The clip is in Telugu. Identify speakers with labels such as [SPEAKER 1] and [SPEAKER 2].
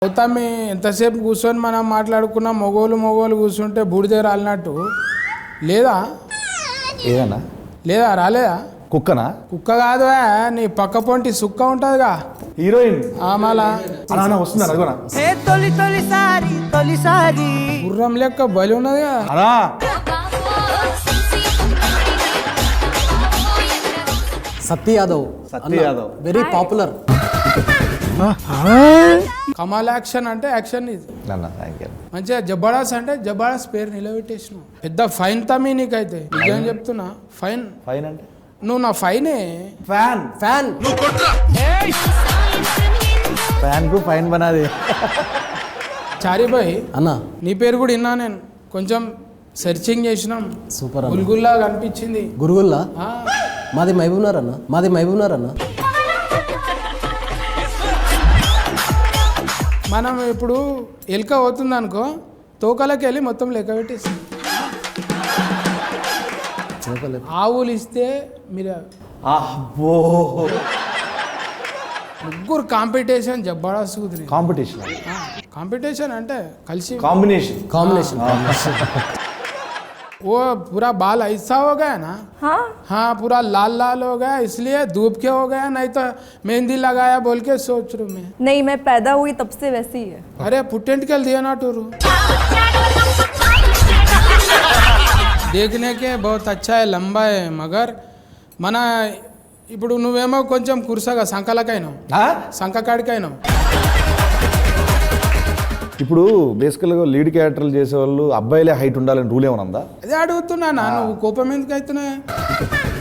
[SPEAKER 1] అవుతామి ఎంతసేపు కూర్చొని మనం మాట్లాడుకున్న మొగోలు కూర్చుంటే బూడిదే రాలినట్టు లేదా
[SPEAKER 2] ఏదన్నా
[SPEAKER 1] లేదా రాలేదా
[SPEAKER 2] కుక్కనా
[SPEAKER 1] కుక్క కాదు నీ పక్క పొంటి సుక్క ఉంటుందిగా
[SPEAKER 2] హీరోయిన్
[SPEAKER 1] ఆమాల
[SPEAKER 2] అనా వస్తున్నారు అదిగోనా
[SPEAKER 1] గుర్రం లెక్క బలి ఉన్నది కదా
[SPEAKER 2] అనా
[SPEAKER 3] సత్య యాదవ్ వెరీ పాపులర్.
[SPEAKER 1] కమాల్ యాక్షన్ అంటే యాక్షన్ ఇది
[SPEAKER 2] అన్న థ్యాంక్ యూ
[SPEAKER 1] మంచిగా జబర్దస్త్ అంటే జబర్దస్త్ పేరు నిలబెట్టేసినావు. పెద్ద ఫైన్ తమ్మి నీకైతే నిజం చెప్తున్నా ఫైన్
[SPEAKER 2] ఫైన్ అంటే
[SPEAKER 1] నువ్వు నా ఫైనే
[SPEAKER 2] ఫ్యాన్
[SPEAKER 3] ఫ్యాన్
[SPEAKER 2] ఫ్యాన్ కు ఫైన్ బనాది
[SPEAKER 1] చారిబాయ్
[SPEAKER 3] అన్న
[SPEAKER 1] నీ పేరు కూడా విన్నా నేను కొంచెం సెర్చింగ్ చేసినాం
[SPEAKER 3] సూపర్ అన్న.
[SPEAKER 1] గుల్గుల్లా కనిపించింది
[SPEAKER 3] గురుగుల్లా
[SPEAKER 1] ఆ,
[SPEAKER 3] మాది మహబూబ్నగర్ అన్న.
[SPEAKER 1] మనం ఇప్పుడు ఎలుక అవుతుంది అనుకో తోకలకి వెళ్ళి మొత్తం లెక్క పెట్టేసి ఆవులు ఇస్తే మీరు
[SPEAKER 2] అబ్బో
[SPEAKER 1] ముగ్గురు కాంపిటీషన్ జబర్దస్త్ కుదిరి
[SPEAKER 2] కాంపిటీషన్
[SPEAKER 1] కాంపిటీషన్ అంటే కలిసి
[SPEAKER 3] కాంబినేషన్
[SPEAKER 1] वो पूरा बाल ऐसा हो गया ना हाँ पूरा लाल लाल हो गया इसलिए धूप के हो गया नहीं तो मेहंदी लगाया बोल के सोच रू मैं
[SPEAKER 4] नहीं मैं पैदा हुई तब से वैसी ही है
[SPEAKER 1] अरे पुटेंट कल दिया ना टूरू देखने के बहुत अच्छा है लंबा है मगर మన ఇప్పుడు నువ్వేమో కొంచెం కురుసగా సంకలకైనావు సంకకాడికైనావు
[SPEAKER 2] ఇప్పుడు బేసికల్గా లీడ్ క్యారెక్టర్లు చేసేవాళ్ళు అబ్బాయిలే హైట్ ఉండాలని రూల్ ఏమైనా ఉందా
[SPEAKER 1] అదే అడుగుతున్నా నువ్వు కోపం ఎందుకు అవుతున్నాయి